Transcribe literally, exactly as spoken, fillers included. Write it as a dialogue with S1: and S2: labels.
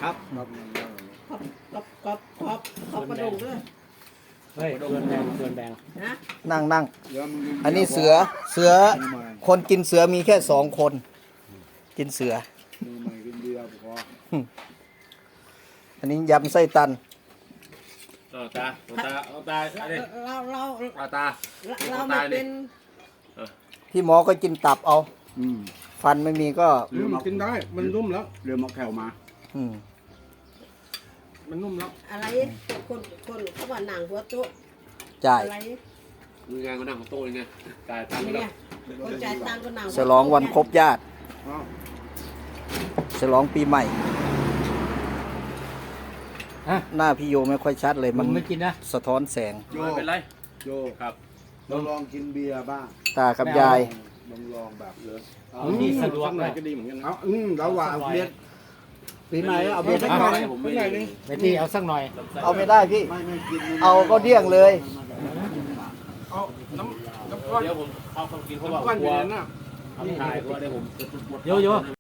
S1: ครับ
S2: ขอบขอบขอบขอบขอบกระดูกด้วย
S3: เฮ้ยเกินแบงเกินแบง
S2: นะ
S4: นั่งนั่งอันนี้เสือเสือคนกินเสือมีแค่สองคน กินเสือ
S1: มือใหม่กินเบียร์พอ
S4: อันนี้ยำไส้ตัน
S5: เอาตาเอาตาเอาตาเอาดิ
S2: เราเรา
S5: เอาตา
S2: เราไม่เป็น
S4: พี่หมอก็กินตับเอา
S1: อืม
S4: ฟันไม่มีก็
S1: เรือมันกินได้ มันนุ่มแล้วเรือมาแขวมา
S4: อืม
S1: มันนุ่มแล้ว
S2: อะไรคนคนเขาว่าหนังหัวโต๊ะ
S4: จ่าย
S2: อะไร
S5: มืองานก็นั่งของโต๊ะเลยไงตายตังค์
S2: นี่
S5: แล้
S2: ไง
S5: ว
S2: คนจ่ายตังค์ก็หนัง
S4: ฉลองวันครบญาติ
S1: อ้าว
S4: ฉลองปีใหม่
S3: ฮะ
S4: หน้าพี่โยไม่ค่อยชัดเลย
S3: มั
S4: มัน น
S3: ไม่กินนะ
S4: สะท้อนแสง
S1: โย
S5: ไม่เป็นไร
S1: โย
S5: ครับ
S1: เราลองกินเบียร์บ้าง
S4: ตากับยาย
S1: ลองลองแบบเลย
S3: เอาที่สะดวก
S1: หน่
S3: นะ
S1: อยก็ดีเหมือนกันเอาอืมเราว่าเอาเบียร์ปีใหม่เอาเบียร์สัก
S5: ไม่
S1: หน่อย
S5: ผม
S1: สั
S5: ไม่
S1: กหน่อยหนึง
S3: ไปที่เอาสักหน่อย
S4: เอาไม่ได้พี่
S1: ไม่ไม่กิน
S4: เอาก็เดี่ยงเลย
S1: เอาน้ำน้ำก้อน
S5: เดี๋ยวผมเข้าเข้ากินเพราะว่า
S1: น้ำก้อน
S5: ก
S1: อ
S5: ลั
S1: ยู่
S5: ว
S1: ในนั้นน่ะ
S5: ทำถ่ายเพราะว่าเดี๋ยวผมจะปวด
S3: โยโย่